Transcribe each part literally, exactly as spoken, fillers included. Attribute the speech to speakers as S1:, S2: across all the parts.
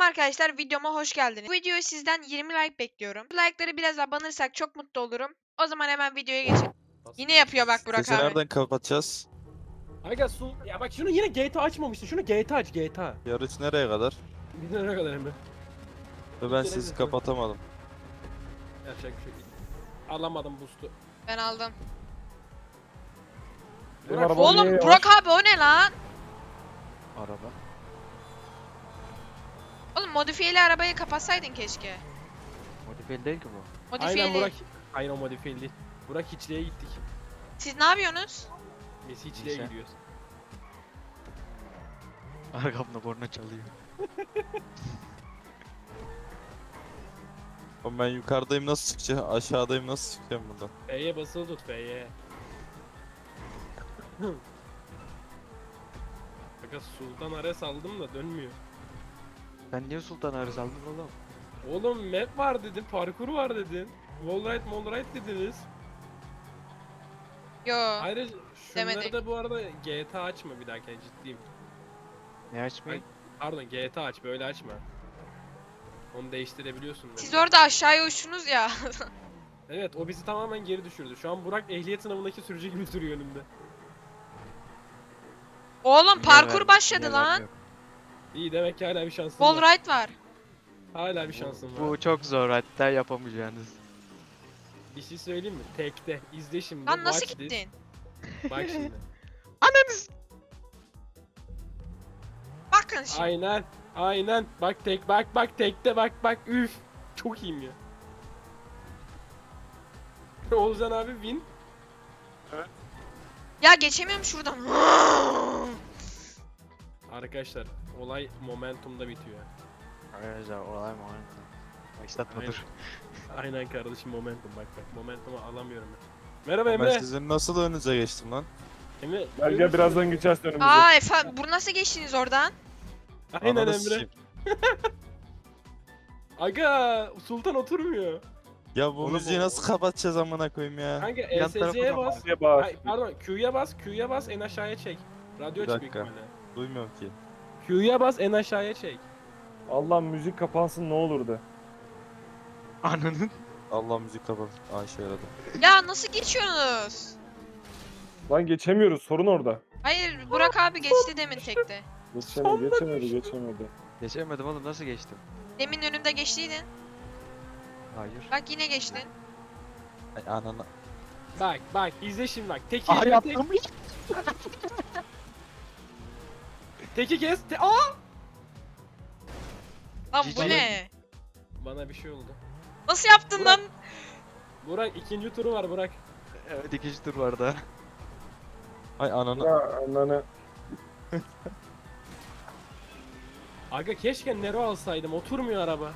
S1: arkadaşlar, videoma hoş geldiniz. Bu videoyu sizden yirmi like bekliyorum. Bu like'ları biraz abanırsak çok mutlu olurum. O zaman hemen videoya geçelim. Yine yapıyor bak Burak
S2: Sesi
S1: abi.
S2: nereden kapatacağız?
S3: Aga su ya bak şunu yine G T A açmamışsın. Şunu G T A aç G T A.
S2: Yarış nereye kadar?
S3: Bir de ne kadar Emre?
S2: Ve ben
S3: Bir kere
S2: sesi
S3: bir-
S2: kapatamadım.
S3: Yapacak bir şey değil. Alamadım boost'u.
S1: Ben aldım.
S3: Burak,
S4: arabam
S1: Oğlum
S4: niye
S1: Burak abi o ne lan?
S2: Araba.
S1: Oğlum modifiyeli arabayı kapatsaydın keşke.
S5: Modifiyeli değil ki bu.
S1: Modifiyeli.
S3: Aynen Burak. Aynen o modifiyeli değil. Burak hiçliğe gittik.
S1: Siz ne yapıyorsunuz?
S3: Biz hiçliğe
S5: Neyse.
S3: gidiyoruz.
S5: Arkamda borna çalıyor.
S2: Oğlum ben yukarıdayım, nasıl çıkacağım? Aşağıdayım, nasıl çıkacağım buradan?
S3: F'ye basılı tut F'ye. Aga Sultan Ares aldım da dönmüyor.
S5: Sen niye Sultan Arız aldın oğlum?
S3: Oğlum map var dedin, parkur var dedin. Wallride, wallride dediniz.
S1: Yo.
S3: Ayrıca şunları
S1: Demedik.
S3: da bu arada G T A açma bir dahaki ciddiyim.
S5: Ne açmayayım?
S3: Pardon G T A aç böyle açma. Onu değiştirebiliyorsun.
S1: Siz
S3: demek.
S1: orada aşağıya uçtunuz ya.
S3: Evet o bizi tamamen geri düşürdü. Şu an Burak ehliyet sınavındaki sürücü gibi duruyor önümde.
S1: Oğlum parkur
S5: Neler-
S1: başladı
S5: neler
S1: lan.
S5: yok.
S3: İyi demek ki hala bir şansın var.
S1: Wallride var.
S3: Hala bir şansın var.
S5: Bu çok zor, hatta yapamayacağınız.
S3: Bir şey söyleyeyim mi? Tekte. İzle şimdi.
S1: Lan nasıl
S3: watch this.
S1: gittin?
S3: Bak şimdi.
S5: Ananız!
S1: Bakın şimdi.
S3: Aynen. Aynen. Bak tek bak bak tekte bak bak üf. Çok iyiyim ya. Oğuzhan abi win.
S1: Ya geçemiyorum şuradan.
S3: Arkadaşlar olay momentumda bitiyor.
S5: Arkadaşlar olay mı olay mı? Başlatma
S3: Aynen.
S5: dur.
S3: Aynen kardeşim momentum bak bak. Momentumu alamıyorum ben. Merhaba
S2: Ben
S3: Emre.
S2: sizin nasıl önünüze geçtim lan?
S3: Emre.
S4: Gel
S3: görüyor
S4: gel
S3: musun?
S4: birazdan geçeceğiz önümüze.
S1: Aa efendim, bu nasıl geçtiniz oradan?
S3: Aynen
S2: Ananı
S3: Emre.
S2: sikeyim.
S3: Aga Sultan oturmuyor.
S2: Ya bu
S3: Oğlum
S2: müziği
S3: o-
S2: nasıl kapatacağız amına koyayım ya?
S3: Kanka
S5: Yan
S3: E S C'ye
S5: tarafa
S3: bas.
S4: diye bağır.
S3: Ay, pardon Q'ya bas, Q'ya bas en aşağıya çek. Radyo
S2: Bir
S3: aç büyük
S2: dakika.
S3: ihtimalle.
S2: Duymuyorum ki.
S3: Q'ya bas en aşağıya çek.
S4: Allah müzik kapansın ne olurdu.
S5: Ananın.
S2: Allah müzik kapat. Aa işe yaradı.
S1: Ya nasıl geçiyorsunuz?
S4: Lan geçemiyoruz sorun orada.
S1: Hayır Burak abi geçti demin tekte.
S4: Geçemedi geçemedi geçemedi.
S5: Geçemedim oğlum, nasıl geçtim?
S1: Demin önümde geçtiydin.
S5: Hayır.
S1: Bak yine geçtin.
S2: Ay anana.
S3: Bak bak izle şimdi bak. Teki
S5: Aha
S3: tek,
S5: yaptım.
S3: teki kes. Te Aa!
S1: Lan bu
S5: Cici.
S1: ne?
S3: Bana bir şey oldu.
S1: Nasıl yaptın
S3: Burak.
S1: lan?
S3: Burak ikinci turu var Burak.
S5: Evet, ikinci tur var daha.
S2: Ay anana.
S4: Ya ananı.
S3: Aga keşke Nero alsaydım. Oturmuyor araba.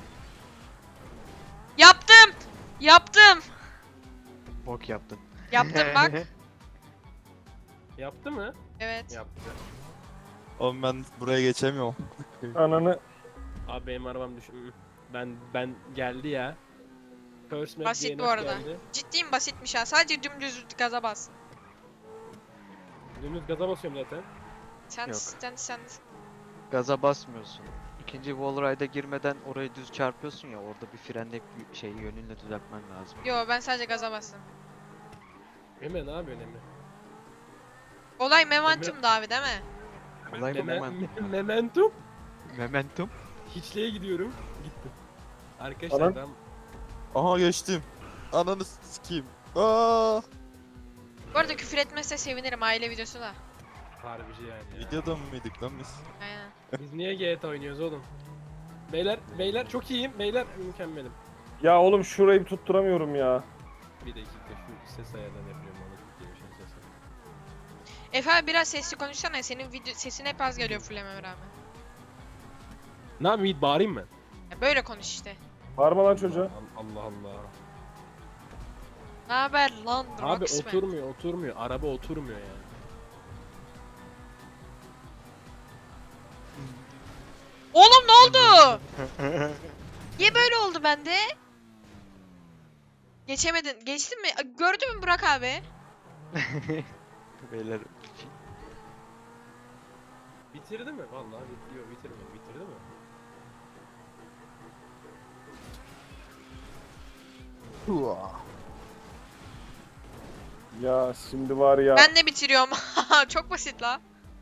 S1: Yaptım. Yaptım.
S5: Bok yaptın.
S1: Yaptım bak.
S3: Yaptı mı?
S1: Evet.
S3: Yaptı.
S2: Oğlum ben buraya geçemiyorum.
S4: Ananı.
S3: Abi benim arabam düş. Hı. Ben ben geldi ya. First map
S1: Basit
S3: D N F
S1: bu arada.
S3: geldi.
S1: Ciddiyim, basitmiş ha. Sadece dümdüz gaza bas.
S3: Dümdüz gaza basıyorum zaten.
S1: Sen
S5: Yok.
S1: sen sen.
S5: Gaza basmıyorsun. İkinci wallride'a girmeden orayı düz çarpıyorsun ya, orada bir frenle şey yönünle düzeltmen lazım.
S1: Yo, ben sadece gaza bastım.
S3: Emre ne yapıyorsun Emre?
S1: Olay momentumdu abi değil mi?
S5: Olay
S3: Meme-
S5: momentum.
S3: me- Momentum.
S5: Momentum.
S3: Hiçliğe gidiyorum. Gittim. Arkadaşlar
S4: Anan.
S3: ben
S2: Aha geçtim. Ananı sikeyim. Aa!
S1: Bu arada küfür etmezse sevinirim, aile videosu da.
S3: harbici yani ya.
S2: Videoda mı mıydık lan biz?
S1: Aynen.
S3: Biz niye G T A oynuyoruz oğlum? Beyler, beyler çok iyiyim. Beyler mükemmelim.
S4: Ya oğlum şurayı bir tutturamıyorum ya.
S3: Bir dakika şu ses ayarlarını yapıyorum bana çok iyi bir şey ses ayarı.
S1: Efe abi biraz sesli konuşsana, senin video sesin hep az geliyor fullememe rağmen.
S3: Ne yapayım Yiğit bağırayım mı?
S1: Ya böyle konuş işte.
S4: Bağırma lan çocuğa.
S3: Allah Allah.
S1: Ne haber lan
S3: Abi
S1: Rocksman?
S3: oturmuyor oturmuyor. Araba oturmuyor yani.
S1: Oğlum ne oldu? Niye böyle oldu bende? Geçemedin. Geçtin mi? Gördün mü Burak abi?
S5: Beyler.
S3: Bitirdi mi? Vallahi bitiriyor bitirmiyor. Bitirdi mi?
S4: Ya şimdi var ya.
S1: Ben de bitiriyorum. Çok basit la.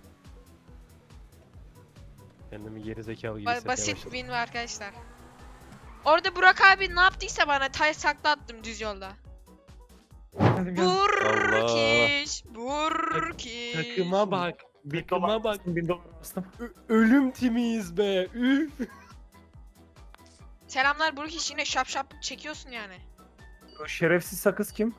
S3: Kendimi gerizekalı gibi
S1: Ba-
S3: hissetmeye
S1: basit
S3: başladım.
S1: win var arkadaşlar. Orada Burak abi ne yaptıysa bana tay sakla attım düz yolda. Burkiş, Burkiş.
S3: Takıma bak.
S4: Bin
S3: Takıma
S4: dolar
S3: bak.
S4: bastım, bin dolar bastım.
S3: Ö- ölüm timiyiz be. Üf.
S1: Selamlar Burkiş, yine şap şap çekiyorsun yani.
S4: O şerefsiz sakız kim?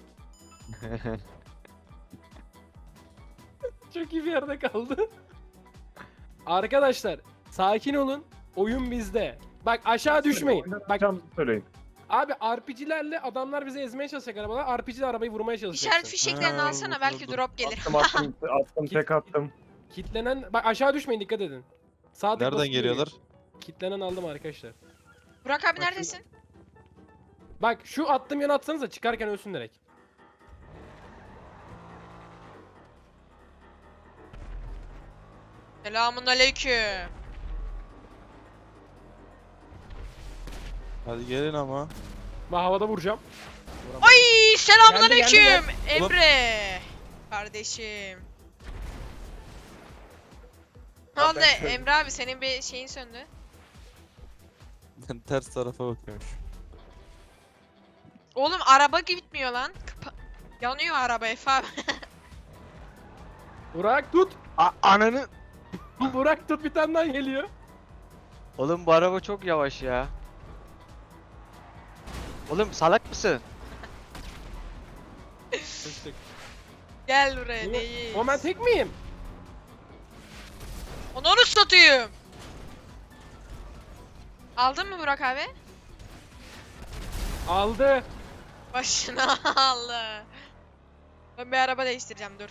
S3: Çok iyi bir yerde kaldı. Arkadaşlar sakin olun. Oyun bizde. Bak aşağı düşmeyin. Bak
S4: Oynatacağımızı söyleyin.
S3: abi R P G'lerle adamlar bizi ezmeye çalışacak arabalar. R P G'ler arabayı vurmaya çalışacak.
S1: İşaret fişeklerini
S2: Ha,
S1: alsana, belki
S2: dur.
S1: drop gelir.
S4: Attım attım attım tek attım.
S3: Kitlenen bak aşağı düşmeyin, dikkat edin. Sağ tık
S2: Nereden
S3: basıp
S2: geliyorlar?
S3: yürüyün. Kitlenen aldım arkadaşlar.
S1: Burak abi
S3: Bak
S1: neredesin?
S3: Bak şu attığım yana atsanıza, çıkarken ölsün direkt.
S1: Selamun aleyküm.
S2: Hadi gelin ama.
S3: Ben havada vuracağım.
S1: Ay selamun
S3: Geldi, geldi,
S1: aleyküm.
S2: geldi.
S1: Emre. Kardeşim. Ne
S4: Ha,
S1: oldu
S4: ben şöyle-
S1: Emre abi, senin bir şeyin söndü.
S2: Ben ters tarafa bakıyormuş.
S1: Oğlum araba gitmiyor lan. Kapa- Yanıyor araba Efe abi.
S3: Burak tut.
S5: A ananı.
S3: Burak tut, bir tane daha geliyor.
S5: Oğlum bu araba çok yavaş ya. Oğlum salak mısın?
S3: Sıçtık.
S1: Gel buraya
S3: Oğlum,
S1: değil.
S3: O ben tek miyim?
S1: Onu onu satayım. Aldın mı Burak abi?
S3: Aldı.
S1: Başına aldı. Ben bir araba değiştireceğim, dur.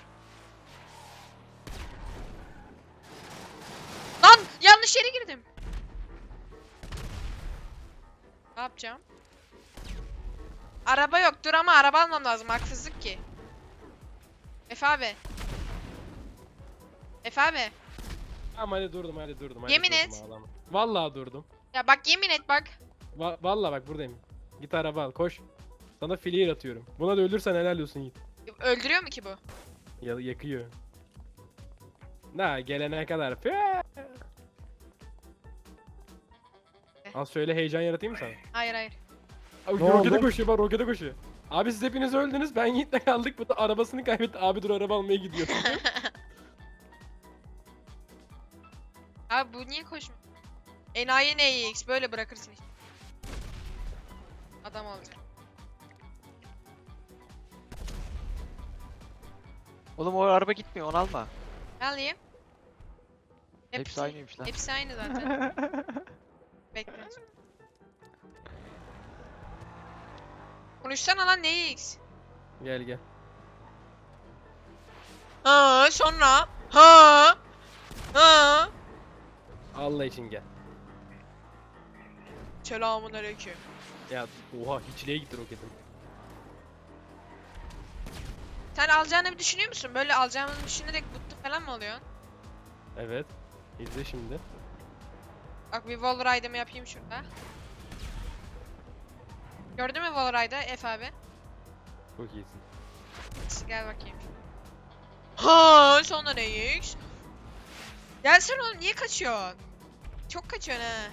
S1: Lan yanlış yere girdim. Ne yapacağım? Araba yok, dur ama araba almam lazım, haksızlık ki. Efe abi. Efe abi.
S3: Tamam hadi durdum, hadi durdum. Hadi
S1: Yemin
S3: durdum,
S1: et.
S3: ağlama. Vallahi durdum.
S1: Ya bak yemin et bak.
S3: Va vallahi bak buradayım. Git araba al, koş. Sana filir atıyorum. Buna da ölürsen helal olsun Yiğit.
S1: Öldürüyor mu ki bu?
S3: Ya yakıyor. Na gelene kadar. Püh! Az şöyle heyecan yaratayım mı sana?
S1: Hayır hayır.
S3: Abi
S4: Ne
S3: rokete
S4: oldu?
S3: koşuyor, bak rokete koşuyor. Abi siz hepiniz öldünüz, ben Yiğit'le kaldık. Bu da arabasını kaybetti. Abi dur araba almaya gidiyor.
S1: Abi bu niye koşmuyor? Enayi N X böyle bırakırsın işte. Adam olacak.
S5: Oğlum o araba gitmiyor, onu alma.
S1: Ne alayım?
S5: Hepsi aynıymış lan.
S1: Hepsi aynı zaten. Bekle. Konuşsana lan N X.
S3: Gel gel.
S1: Ha sonra. Ha. Ha.
S3: Allah için gel.
S1: Selamun aleyküm.
S3: Ya oha hiçliğe gitti roketim.
S1: Sen alacağını bir düşünüyor musun? Böyle alacağını düşünerek mutlu falan mı oluyorsun?
S3: Evet. İzle şimdi.
S1: Bak bir wall ride'ımı yapayım şurada. Gördün mü wall ride'ı F abi?
S3: Çok iyisin.
S1: Gel bakayım. Ha sonra ne iş? Gelsene oğlum, niye kaçıyorsun? Çok kaçıyorsun ha.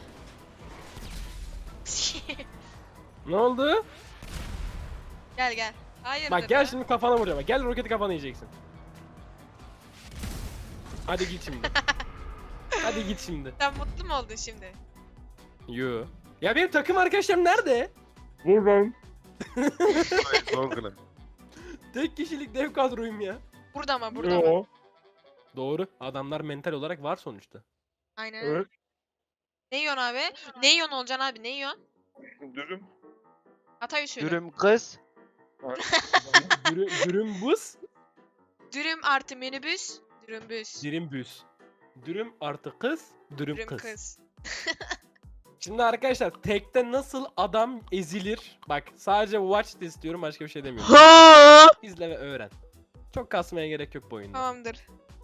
S3: Ne oldu?
S1: Gel gel. Hayırdır
S3: Bak gel
S1: lan?
S3: şimdi kafana vuracağım. Bak, gel roketi kafana yiyeceksin. Hadi git şimdi. Hadi git şimdi.
S1: Sen mutlu mu oldun şimdi?
S3: Yo. Ya benim takım arkadaşlarım nerede?
S4: Buradayım.
S3: Tek kişilik dev kadroyum ya.
S1: Burada mı? Burada mı?
S4: Yo.
S3: Doğru. Adamlar mental olarak var sonuçta.
S1: Aynen öyle.
S4: Evet.
S1: Ne yiyorsun abi? Ne yiyorsun olacaksın abi? Ne yiyorsun?
S4: Dürüm.
S1: Hatay usulü. Dürüm.
S5: Dürüm kız.
S3: Dürüm, dürüm buz.
S1: artı minibüs. Dürümbüs.
S3: Dürüm büs. Dürüm artı kız. Dürüm,
S1: Dürüm
S3: kız.
S1: kız.
S3: Şimdi arkadaşlar tekte nasıl adam ezilir? Bak sadece watch de istiyorum, başka bir şey demiyorum. İzle ve öğren. Çok kasmaya gerek yok bu oyunda.
S1: Tamamdır.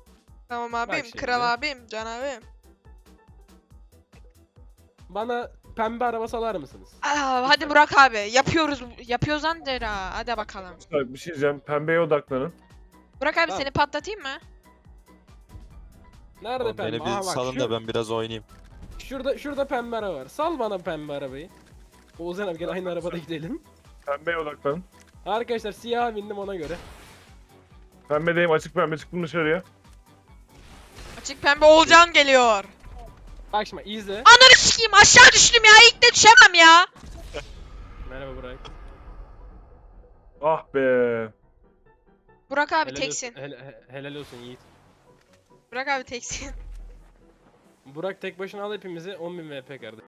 S1: Tamam abim.
S3: şimdi.
S1: Kral abim. Can abim.
S3: Bana pembe araba salar mısınız?
S1: Aa, hadi Burak abi. Yapıyoruz. Yapıyoruz lan der ha. Hadi bakalım.
S4: Arkadaşlar bir şey diyeceğim. Pembeye odaklanın.
S1: Burak abi
S3: Tamam.
S1: seni patlatayım mı?
S3: Nerede
S2: Oğlum
S3: pembe?
S2: beni
S3: Aha
S2: bir
S3: bak,
S2: salın
S3: şu-
S2: da ben biraz oynayayım.
S3: Şurada şurada pembe araba var. Sal bana pembe arabayı. Oğuzhan abi gel aynı arabada gidelim.
S4: Pembeye odaklanın.
S3: Arkadaşlar siyaha bindim ona göre.
S4: Pembedeyim, açık pembe, çıktım dışarıya.
S1: Açık pembe Oğulcan geliyor.
S3: Bak şimdi izle.
S1: Ananı sikeyim aşağı düştüm ya. İlk de düşemem ya.
S3: Merhaba Burak.
S4: Ah be.
S1: Burak abi
S3: Helal
S1: teksin.
S3: olsun, hel- he- helal olsun Yiğit.
S1: Burak abi teksin.
S3: Burak tek başına al hepimizi on bin V P kardeşim.